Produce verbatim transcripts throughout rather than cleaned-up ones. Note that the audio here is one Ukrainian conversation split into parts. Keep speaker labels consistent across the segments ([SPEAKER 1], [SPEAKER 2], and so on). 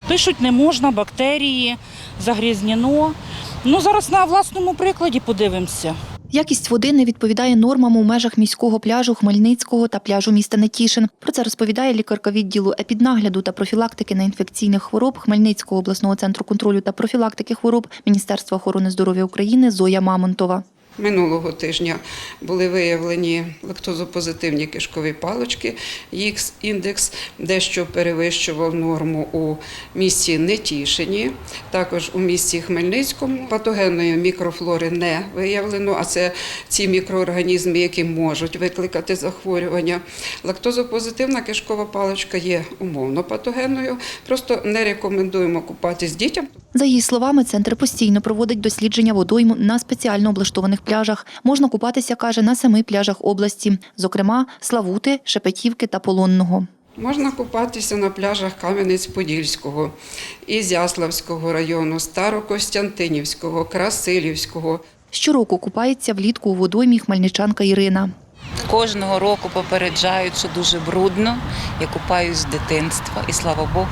[SPEAKER 1] Пишуть, не можна, бактерії, загрязнено. Ну, зараз на власному прикладі подивимося.
[SPEAKER 2] Якість води не відповідає нормам у межах міського пляжу Хмельницького та пляжу міста Нетішин. Про це розповідає лікарка відділу епіднагляду та профілактики неінфекційних хвороб Хмельницького обласного центру контролю та профілактики хвороб Міністерства охорони здоров'я України Зоя Мамонтова.
[SPEAKER 3] Минулого тижня були виявлені лактозопозитивні кишкові палички, їх індекс дещо перевищував норму у місті Нетішині, також у місті Хмельницькому. Патогенної мікрофлори не виявлено, а це ці мікроорганізми, які можуть викликати захворювання. Лактозопозитивна кишкова паличка є умовно патогенною, просто не рекомендуємо купатись дітям.
[SPEAKER 2] За її словами, центр постійно проводить дослідження водойм на спеціально облаштованих пляжах. Можна купатися, каже, на семи пляжах області, зокрема Славути, Шепетівки та Полонного.
[SPEAKER 3] Можна купатися на пляжах Кам'янець-Подільського, Ізяславського району, Старокостянтинівського, Красилівського.
[SPEAKER 2] Щороку купається влітку у водоймі хмельничанка Ірина.
[SPEAKER 4] Кожного року попереджають, що дуже брудно. Я купаюсь з дитинства і, слава Богу,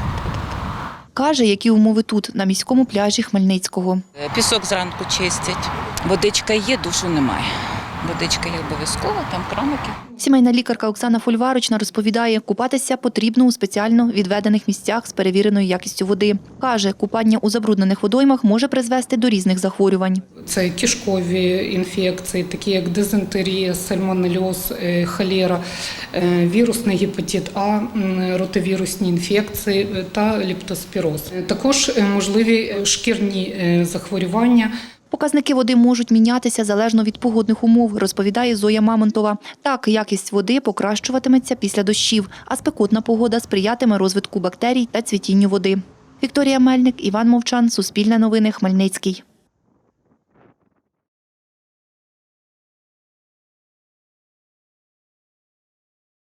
[SPEAKER 2] Каже, які умови тут, на міському пляжі Хмельницького.
[SPEAKER 4] пісок зранку чистять, водичка є, душу немає. Водичка є обов'язково, там краники.
[SPEAKER 2] Сімейна лікарка Оксана Фольварочна розповідає, купатися потрібно у спеціально відведених місцях з перевіреною якістю води. Каже, купання у забруднених водоймах може призвести до різних захворювань.
[SPEAKER 5] Це кишкові інфекції, такі як дизентерія, сальмонельоз, холера, вірусний гепатит А, ротовірусні інфекції та лептоспіроз. Також можливі шкірні захворювання.
[SPEAKER 2] Показники води можуть мінятися залежно від погодних умов, розповідає Зоя Мамонтова. Так, якість води покращуватиметься після дощів, а спекотна погода сприятиме розвитку бактерій та цвітінню води. Вікторія Мельник, Іван Мовчан, Суспільне новини, Хмельницький.